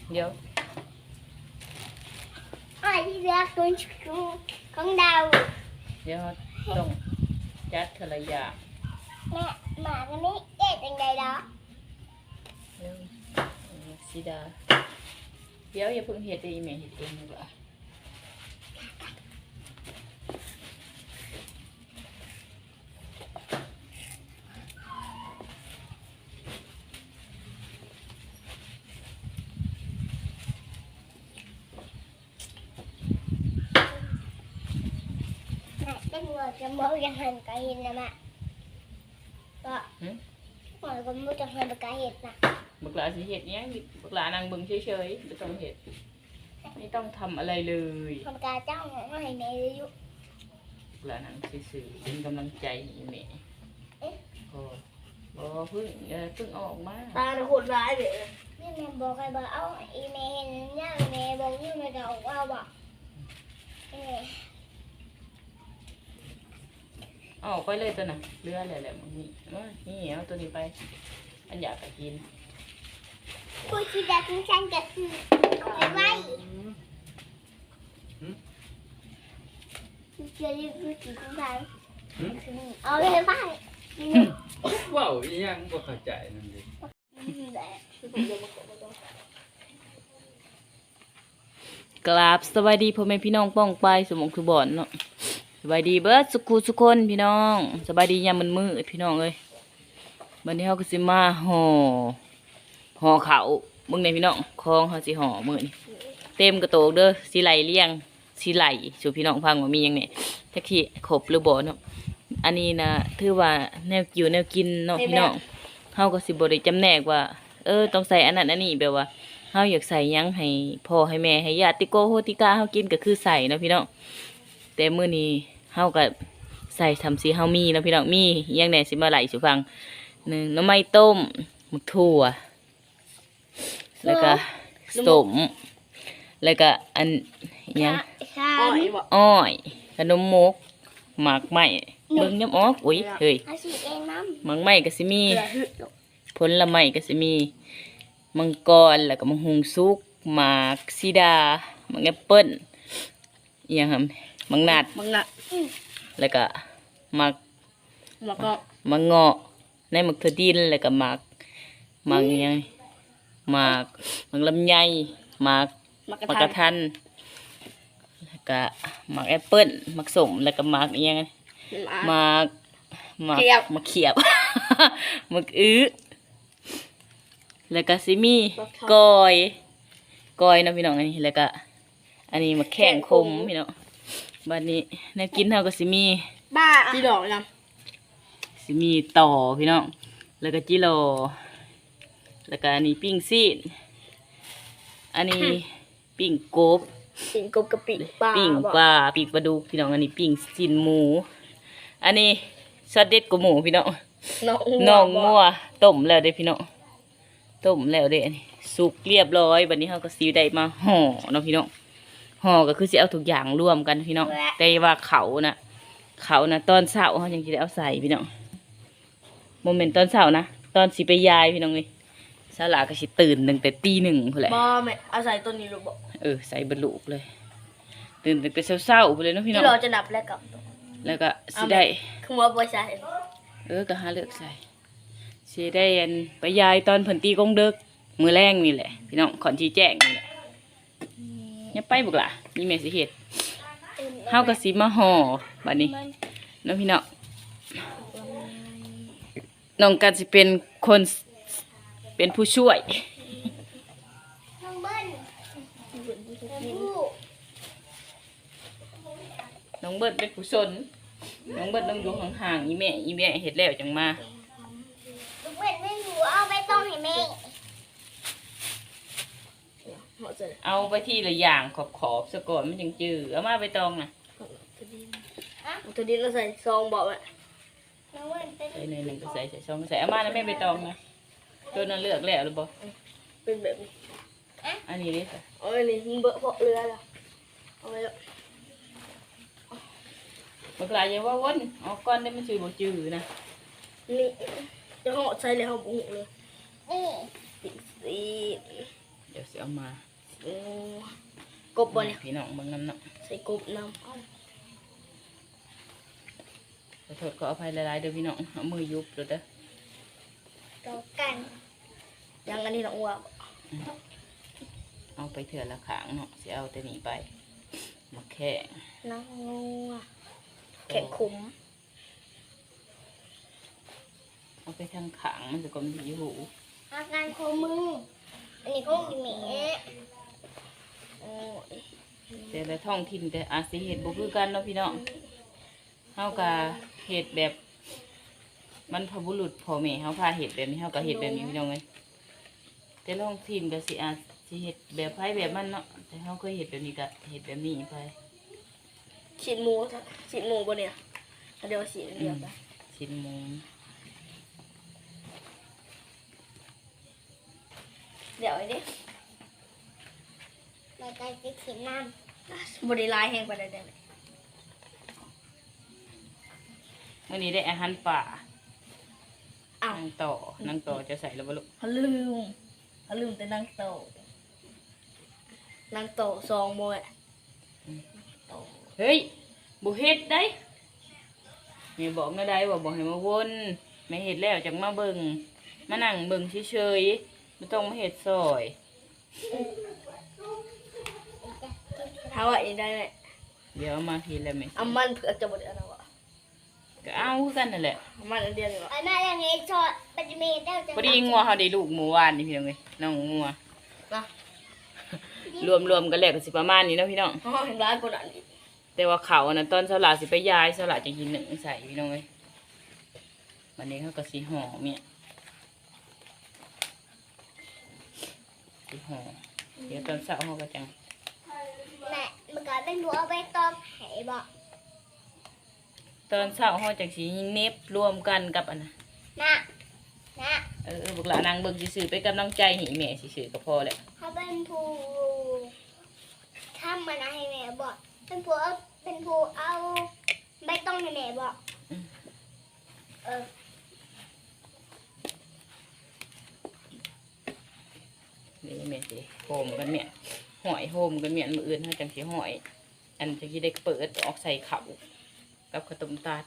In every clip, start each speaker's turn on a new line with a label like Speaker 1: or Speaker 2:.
Speaker 1: เดี๋ยว
Speaker 2: อ้อยที่เลือกตัวของดาว
Speaker 1: เดี๋ยวต้องจัดทะเลยา
Speaker 2: แม่หมาตัวนี้เอ๊ะจังใดดอก
Speaker 1: เดี๋ยวสีดาเดี๋ยวอย่าเพิ่งเห็ดอีแม่เห็ดเองดีกว่า
Speaker 2: เป็นหัวจะมองยังหันกระเห็นนะแม่ก็หัวก็มือจะหันกระเห็นนะ
Speaker 1: บักหลาสิเห็ดเนี้ยบักหลานางเบิ่งเฉยๆไม่ต้องเห็ดไม่ต้องทำอะไรเลย
Speaker 2: ทำการเจ้าของให้แม่ยุ
Speaker 1: บักหลานางซื่อๆเป็นกำลังใจให้แม่โอ้บ่เพิ่งออกมา
Speaker 3: ตาเนี่ยโหดร้ายเลย
Speaker 2: นี่แม่บอกใครบอกเอาอีแม่เห็นเนี่ยแม่บอกนี่แม่จะออกเอาบ่
Speaker 1: ออกไปเลยตัวน่ะเรืออะไรแหละมึงนี่เอาตัวนี้ไปอันอยากไปกิน
Speaker 2: ผู้ที่จะทิ้งฉันจะคือเอาไปไว้จะรีบรู้สึกสงสารเอาไปไว้
Speaker 4: ว้าวยังบ่เข้าใจนั่นดิ
Speaker 1: กราบสวัสดีพ่อแม่พี่น้องป้องไปสมองคือบ่อนเนาะสบายดีเบิร์ดสุขุสุคนพี่น้องสบายดียามมืดพี่น้องเอ้ยวันนี้เขาก็สิมาห่อเขามึงในพี่น้องคลองเขาสิห่อมือนี่เต็มกระโตกเด้อสิไหลเลี้ยงสิไหลสู่พี่น้องฟังว่ามียังเนี่ยแท็กซี่ขบหรือบ่เนาะอันนี้นะถือว่าแนวอยู่แนวกินเนาะพี่น้องเขาก็สิบริจำแนกว่าต้องใส่อันนั้นอันนี้แบบว่าเขาอยากใส่ยังให้พ่อให้แม่ให้ญาติโกโหติกาเขากินก็คือใส่เนาะพี่น้องแต่มื้อนี้เฮาก็ใส่ทำสีเฮามีเนาะพี่น้องมียังแหน่สิมาไหลสู่ฟังหนึ่งน้ำไม้ต้มหมึกถั่วแล้วก็สมแล้วก็อันยังอ้อยขนมมกหมากไหมเบิ่งย้ำออกอุ้ยเฮ้ยหมากไหมก็สิมีผลไม้ก็สิมีมังกรแล้วก็มังหุงสุกหมากซีดามังแอปเปิ้ลยังครับมังนัดแล้วก็มักเงาะในมักถั่วดินแล้วก็มักยังมักลำไยมักกระทันแล้วก็มักแอปเปิ้ลมักส้มแล้วก็มักยังมักเขียบ มักแล้วก็ซิมีกอยนะพี่น้องอันนี้แล้วก็อันนี้มักแข้งคมพี่น้องบัดนี้แนวกินเท่ากับสิมี
Speaker 3: บ้าจีดอกนะ
Speaker 1: สิมีต่อพี่น้องแล้วก็จิโร่แล้วก็อันนี้ปิ้งซีนอันนี้ปิ้งกบ
Speaker 3: กับปิ้งปลา
Speaker 1: ปิ้งปลาดุกพี่น้องอันนี้ปิ้งซีนหมูอันนี้ซอสเด็ดกับหมูพี่น้องน้องงัวต้มแล้วเด้พี่น้องต้มแล้วเด้อันนี้สุกเรียบร้อยบัดนี้เฮาก็สิได้มาห่อเนาะพี่น้องห่อก็คือสิเอาทุกอย่างรวมกันพี่น้องแต่ว่าเขานะตอนเช้าเขายังจะได้เอาใส่พี่น้องโมเมนต์ตอนเช้านะตอนสิไปยายพี่น้องเลยสลาก็สิตื่นตั้งแต่ตี 1พุ่นแหละ
Speaker 3: บ่แม่เอาใส่ตัวนี้ลูกบ่
Speaker 1: ใส่บรรลุเลยตื่นตั้งแต่เช้าๆพุ่นเลยเนาะพี่น้อง
Speaker 3: ที่เราจะดับ
Speaker 1: แล้วก็สิได้
Speaker 3: คือว่าบ่ใส่
Speaker 1: ก็หาเลือกใส่สิได้ไปยายตอนเพิ่นตีกงเดึกมื้อแรงนี่แหละพี่น้องขอนชี้แจงนี่แหละอย่าไปบุกล่ะนี่แม่สิเฮ็ดเฮาก็สิมาห่อบัดนี้น้องพี่น้องกันสิเป็นคนเป็นผู้ช่วยน้องเบิ้ลเป็นผู้ชนน้องเบิ้ลต้องอยู่ห่างๆอีแม่เฮ็ดแล้วจังมา
Speaker 2: น้องเบิ้ลไม่อยู่เอาไปต้มให้แม่
Speaker 1: เอาไปที่ละอย่างขอบซะก่อนมันยังจืดเอามาไปตองนะ
Speaker 3: ตัวนี้เราใส่ซองบอกว่า
Speaker 1: ใส่ในหนึ่งก็ใส่ซองก็ใส่เอามาแล้วแม่ไปตองนะตัวนั้นเลือกแล้วหรือเปล่า
Speaker 3: เป็นแบบนี้
Speaker 1: อันนี้ดิ
Speaker 3: อันนี้มันเบอะเพาะเรือละเอาไปแล้ว
Speaker 1: เมื่อไหร่ยังว่าวนเอาก้อนได้มันจืดบ่จืดนะ
Speaker 3: นี่จะห่อใส่เลยห่อบุ้งเลย
Speaker 2: นี่
Speaker 3: สี
Speaker 1: เดี๋ยวเสียเอามา
Speaker 3: โอ้กบบ่เนี่ย
Speaker 1: พี่น้องเบิ่งน้ำเนาะ
Speaker 3: ใส่กบน้
Speaker 1: ขอโทษขออภัยหลายๆเด้อพี่น้องเอามือยุบเด้อเด้อ
Speaker 2: ต่อกัน
Speaker 3: ำยังอันนี้น้องอ้วก
Speaker 1: เอาไปเถื่อละขางเนาะสิเอาแต่นี้ไปมาแค่
Speaker 3: น้องงัวแข็งขุม
Speaker 1: เอาไปทางขางมันจะกลมดีหู
Speaker 2: อาการโคมืออันนี้ของแม่
Speaker 3: โอ้ย
Speaker 1: แต่ละท้องถิ่นแต่อาจสิเฮ็ดบ่คือกันเนาะพี่น้องเฮาก็เฮ็ดแบบมันพบุรุษพ่อแม่เฮาพาเฮ็ดแบบนี้เฮาก็เฮ็ดแบบนี้พี่น้องเอ้ยแต่ละท้องถิ่นก็สิอาจสิเฮ็ดแบบไผแบบมันเนาะแต่เฮาเคยเฮ็ดแบบนี้ก็เฮ็ดแบบนี้ไป
Speaker 3: ฉีดหมูบ่เนี่ยเดี๋ยวฉีดเดียวไป
Speaker 1: ชิ้นหมู
Speaker 3: เดี๋ยวไอ้นี่
Speaker 2: รายการจะขีดน้
Speaker 3: บริลายแห้งไปได้ไหม
Speaker 1: มื้อนี้ได้อาหารป่า
Speaker 3: อ้าว
Speaker 1: นางต่อจะใส่แล้วบ่ลูก
Speaker 3: เขาลืมแต่นางโตซองโมยโต
Speaker 1: เฮ้ยบ่เฮ็ดได้แม่บอกแม่ได้ว่าบ่ให้มาวนแม่เฮ็ดแล้วจังมาเบิ่งมานั่งเบิ่งเฉยๆบ่ต้องมาเฮ็ดซอย
Speaker 3: ถ้าว่าอีกได้ไหม
Speaker 1: เดี๋ยวเอามาทีละแม่
Speaker 3: เอามันเผื่อจะบดอะไรวะ
Speaker 1: ก็เอาคือกันนั่นแหละ
Speaker 3: เอามันอันเดียวเลยวะ
Speaker 2: ำอันนั้นยังไงชอดปัจจุบันได้จะ
Speaker 1: พอดีงัวเฮาได้ลูกหมู่วานนี่พี่น้องเอ้ยน้องงัว
Speaker 3: นะ
Speaker 1: รวมๆกันแล้วก็สิประมาณนี้เนาะพี่น้อง
Speaker 3: ห้องเห็นร้านคนอ่านอีก
Speaker 1: แต่ว่าเขาอันนั้นตอนเช้าหลาสิไปย้ายเช้าหลาจะกินหนึ่งใส่พี่น้องเอ้ยวันนี้เขาก็สิห่อเมียสิห่อเดี๋ยวตอนเช้าเขาก็จัง
Speaker 2: แม่เมื่อก่อนเป็นหัวเอาไปต้มไห่บอก
Speaker 1: ตอนเช้าเขาจังสิเน็บรวมกันกับอันน่ะ
Speaker 2: นะนะ
Speaker 1: บุกหลานางเบิ่งสิซื้อไปกำลังใจให้แม่สิซื้อก็พอแหละ
Speaker 2: เขาเป็นผู้ทำมันให้แม่บอกเป็นผู้เอาใบตองให้แม่บอกเออ
Speaker 1: นี่แม่สิโฮมกันเมียหอยโฮมกันเมียมื้ออื่นเขาจังสิหอย อันจะสิได้เปิดออกใส่ข้าวกับข้าวต้มตาล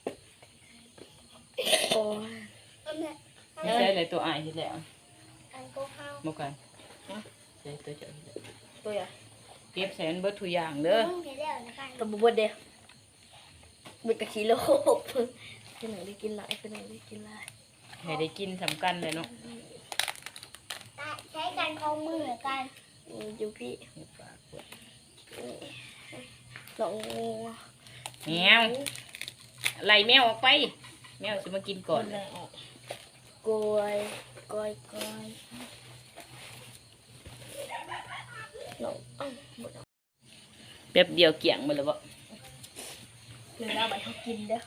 Speaker 3: โอ้ย
Speaker 2: เอาแม่
Speaker 1: ไม่ใช่อะไรตัวอ้ายเฮ็ดแล้ว
Speaker 2: อันก็เข้า
Speaker 1: บ่กันใช่ตัวเจ้าเฮ็ดแล้ว
Speaker 3: ตัวใหญ่
Speaker 1: เก็บใส่อันเบิดทุกอย่างเด้อ
Speaker 2: มึงเห็นแล้วนะคะ
Speaker 3: ตัวบุบเดียวบุดกะทิโลบเป็นหนังได้กินหลายเป็นหนังได้กินหลาย
Speaker 1: ให้ได้กินสำคัญเลยเนาะ
Speaker 2: ใช้การเข้ามือกัน
Speaker 3: อยู่พี่
Speaker 1: เฮ็ดปากเปิด
Speaker 3: น้องงัว
Speaker 1: แมวไล่แมวออกไป แมวสิมากินก่อน
Speaker 3: แรงออกกล้วยก้อยน้องอ้าวหมดแล้ว
Speaker 1: แป๊บเดียวเกี่ยงหมดแล้วบ่
Speaker 3: เดี๋ยวเราไปเขากินเด้อ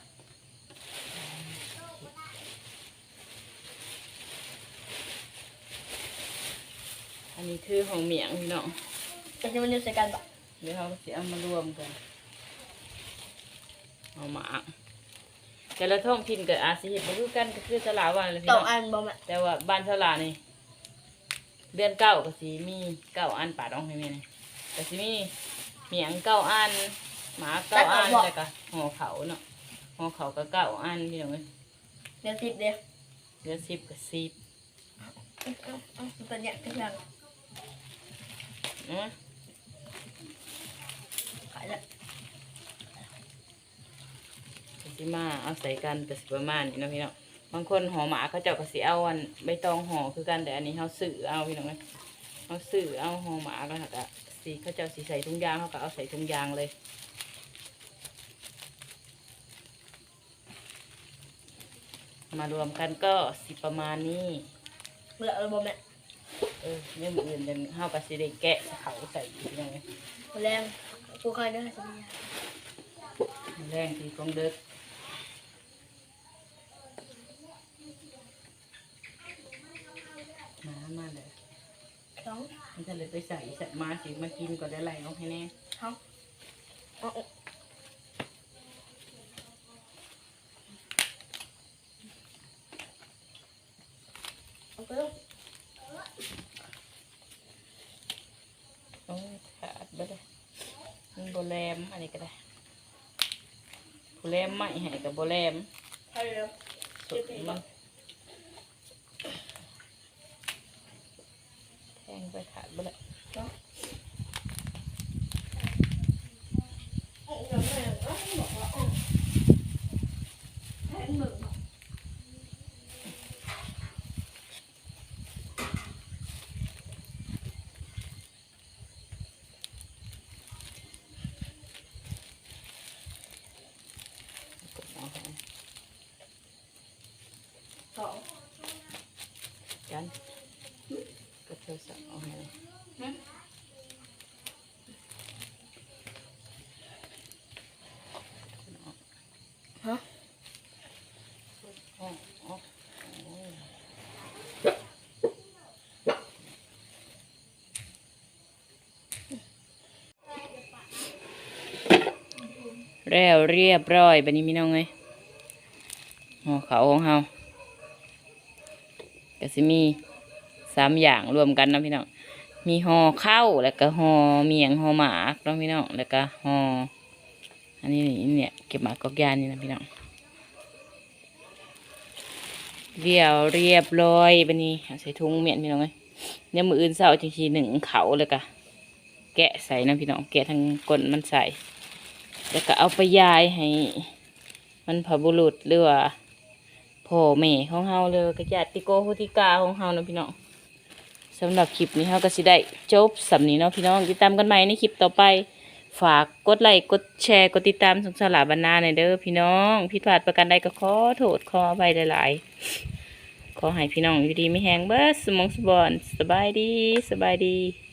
Speaker 1: อันนี้คือของเมียงพี่น้อง
Speaker 3: จะจะมันอยู่ใส่กันปะ
Speaker 1: เดี๋ยวเราสิเอามารวมกันเอามาแต่ละท้องถิ่นก็อาจสิเฮ็ดบ่คือกันก็คือสลาวันเลยพี่
Speaker 3: ต่อ
Speaker 1: น้อง
Speaker 3: อันบ่แม่
Speaker 1: แต่ว่าบ้านสลานี่เดือนเก้าก็สิมี9อันปาดออกให้แม่นี่ก็สิมีเมียง9อันหมา9อันแล้วก็ห่อเขาเนาะห่อเขาก็9อันพี่น้องเอ้ย
Speaker 3: เดี๋ยว10เดี๋ยว
Speaker 1: เดือน10ก็10
Speaker 3: ตัวเนี้ยก็ยัง ขายแล้ว
Speaker 1: สิมาเอาใส่กันก็สิประมาณนี้เนาะพี่น้องบางคนห่อหมาเขาเจ้าก็สิเอาอันใบตองห่อคือกันแต่อันนี้เขาซื้อเอาพี่น้องเอ้ยเขาซื้อเอาห่อหมาแล้วก็สิเขาเจ้าสิใส่ถุงยางเขาก็เอาใส่ถุงยางเลยมารวมกันก็สิประมาณนี้
Speaker 3: เมื่อเราบ่แม่
Speaker 1: เนี่ยมืออื่นเดินเขาก็สิได้แกะเขาใส่พี่น้องเอ้ย
Speaker 3: แรงกูเคยได้สัญญา
Speaker 1: แรงทีของเด็กมาเลย
Speaker 3: สอง
Speaker 1: มันจะเลยไปใส่มาสิมากินก่อนได้ไรเอาให้แน่
Speaker 3: เอาเอาเอาไปลูก
Speaker 1: บ่แลมอันนี้ก็ได้ผู้แลมไม่ให้กับบ่แลม
Speaker 3: ใช่แล้ว
Speaker 1: สุดมันแทงไปขาดบ่ละ
Speaker 3: สอง
Speaker 1: กันก็เธอสั่งเอาให้
Speaker 3: ฮะ
Speaker 1: อ๋ออ๋อแล้วเรียบร้อยบัดนี้พี่น้องเอ้ยห่อเขาวของเฮาก็สิมี3อย่างรวมกันเนาะพี่น้องมีห่อข้าวแล้วก็ห่อเมียงห่อหมากเนาะพี่น้องแล้วก็ห่ออันนี้นี่เนี่ยเก็บหมากกอกยานนี่นะพี่น้องเรียบร้อยบัดนี้เอาใส่ถุงเมียนพี่น้องเอ้ยเดี๋ยวมื้ออื่นเช้าจังสินึ่งเขาวแล้วก็แกะใส่นะพี่น้องแกะทั้งก้นมันใส่แล้วก็เอาไปยายให้มันพบุรุษหรือว่าพ่อแม่ของเฮาเลยก็ญาติโกโหติกาของเฮานะพี่น้องสำหรับคลิปนี้เฮาก็สิได้จบสำนี้เนาะพี่น้องติดตามกันใหม่ในคลิปต่อไปฝากกดไลค์กดแชร์กดติดตามสงสารบรรณาหน่อยเด้อพี่น้องผิดพลาดประการใดก็ขอโทษขออภัยหลายๆขอให้พี่น้องอยู่ดีไม่แห้งเบิดสมองสบอนสบายดี